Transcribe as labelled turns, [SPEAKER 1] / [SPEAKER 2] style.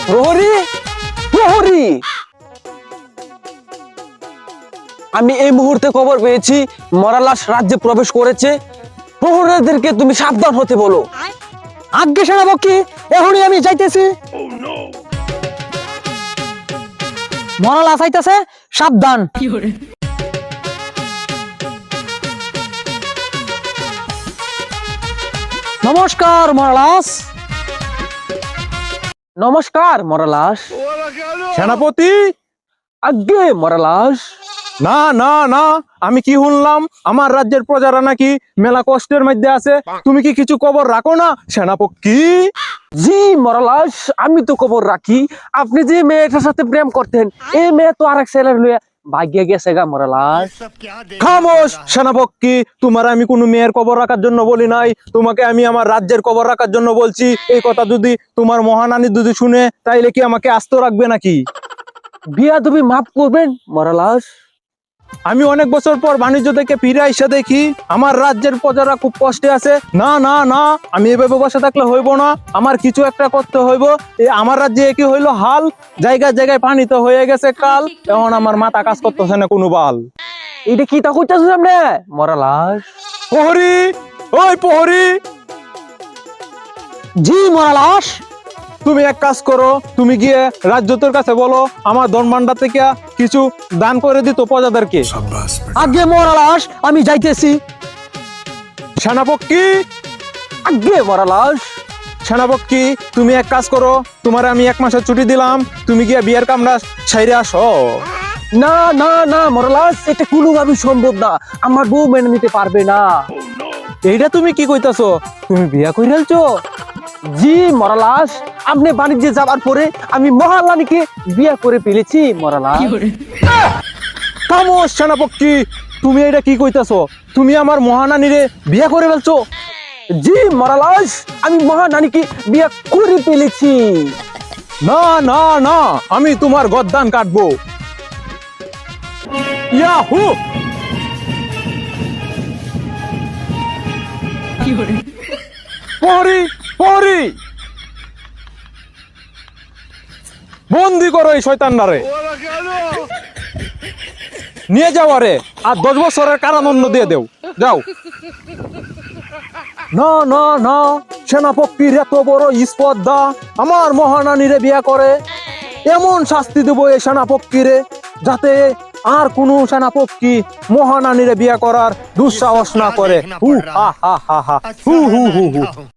[SPEAKER 1] প্রহরী, প্রহরী, আমি এই মুহূর্তে খবর পেয়েছি মরালাস রাজ্যে প্রবেশ করেছে। প্রহরীদেরকে তুমি সাবধান হতে বলো।
[SPEAKER 2] আজ্ঞে সেনাপতি, এখনই আমি যাইতেছি। মরালাস আইতাছে, সাবধান। নমস্কার মরালাস।
[SPEAKER 1] নমস্কার মরালাস।
[SPEAKER 3] সেনাপতি,
[SPEAKER 1] আজ্ঞে মরালাস।
[SPEAKER 3] না না না, আমি কি শুনলাম আমার রাজ্যের প্রজারা নাকি মেলা কষ্টের মধ্যে আছে। তুমি কি কিছু খবর রাখো না সেনাপতি?
[SPEAKER 1] জি মরালাস, আমি তো খবর রাখি। আপনি যে মেয়েটার সাথে প্রেম করতেন, এই মেয়ে তো আরেক ছেলের লইয়া ভাগ্যে গেছে গা মরালাস।
[SPEAKER 3] খামোশ সেনাপতি, তোমার আমি কোনো মেয়ের খবর রাখার জন্য বলি নাই, তোমাকে আমি আমার রাজ্যের খবর রাখার জন্য বলছি। এই কথা যদি তোমার মহানানী যদি শুনে, তাইলে কি আমাকে আস্ত রাখবে নাকি?
[SPEAKER 1] বিয়া তুমি মাফ করবেন মরালাস।
[SPEAKER 3] আমি অনেক বছর পর বাণিজ্য থেকে ফিরে এসে দেখি আমার রাজ্যের প্রজারা খুব কষ্টে আছে। না না না, আমি এভাবে বসে থাকলে হইব না, আমার কিছু একটা করতে হইব। আমার রাজ্যে কি হইলো হাল, জায়গায় জায়গায় পানি তো হয়ে গেছে কাল, এখন আমার মাথা কাজ করতেছে না কোনো বাল।
[SPEAKER 1] এটা কি তা কইতাছ সামনে মরালাস?
[SPEAKER 3] প্রহরী, ওই প্রহরী,
[SPEAKER 2] জি মরালাস।
[SPEAKER 3] তুমি এক কাজ করো, তুমি গিয়ে রাজ্যতের কাছে বলো আমার ধনভাণ্ডার থেকে কিছু দান করে দিত প্রজাদেরকে।
[SPEAKER 2] আজ্ঞে মরালাস, আমি যাইতেছি।
[SPEAKER 3] সেনাপতি,
[SPEAKER 1] আজ্ঞে মরালাস।
[SPEAKER 3] সেনাপতি, তুমি এক কাজ করো, তোমার আমি 1 মাসের ছুটি দিলাম, তুমি গিয়ে বিয়ের কামরা সাইরে আসো।
[SPEAKER 1] না না না মরালাস, এটা কোনোভাবেই সম্ভব না। আমার বউ মেনে নিতে পারবে না।
[SPEAKER 3] এইটা তুমি কি কইতাছো? তুমি বিয়া কইরালছো?
[SPEAKER 1] জি মরালাস, আপনি বাণিজ্যে যাবার পরে আমি মহারানীকে বিয়ে করে ফেলেছি মরালাস।
[SPEAKER 3] খামোশ সেনাপতি, তুমি এটা কি কইতাছো? তুমি আমার মহানানীরে বিয়া করে ফেলছো?
[SPEAKER 1] জি মরালাস, আমি মহারানীকে বিয়ে করে ফেলেছি।
[SPEAKER 3] না না না, আমি তোমার গদ্দান কাটবো। ইয়াহু! প্রহরী, প্রহরী, বন্দি করো এই শয়তানটারে, নিয়ে যাও আরে, আর 10 বছরের কারাদণ্ড দিয়ে দেও, যাও। না না না, সেনাপতির এত বড় স্পর্ধা, আমার মহানানীরে বিয়া করে। এমন শাস্তি দেব এই সেনাপতিরে, যাতে আর কোনো সেনাপতি মহানানীরে বিয়া করার দুঃসাহস না করে। হু হা হা হা হা, হু হু হু হু।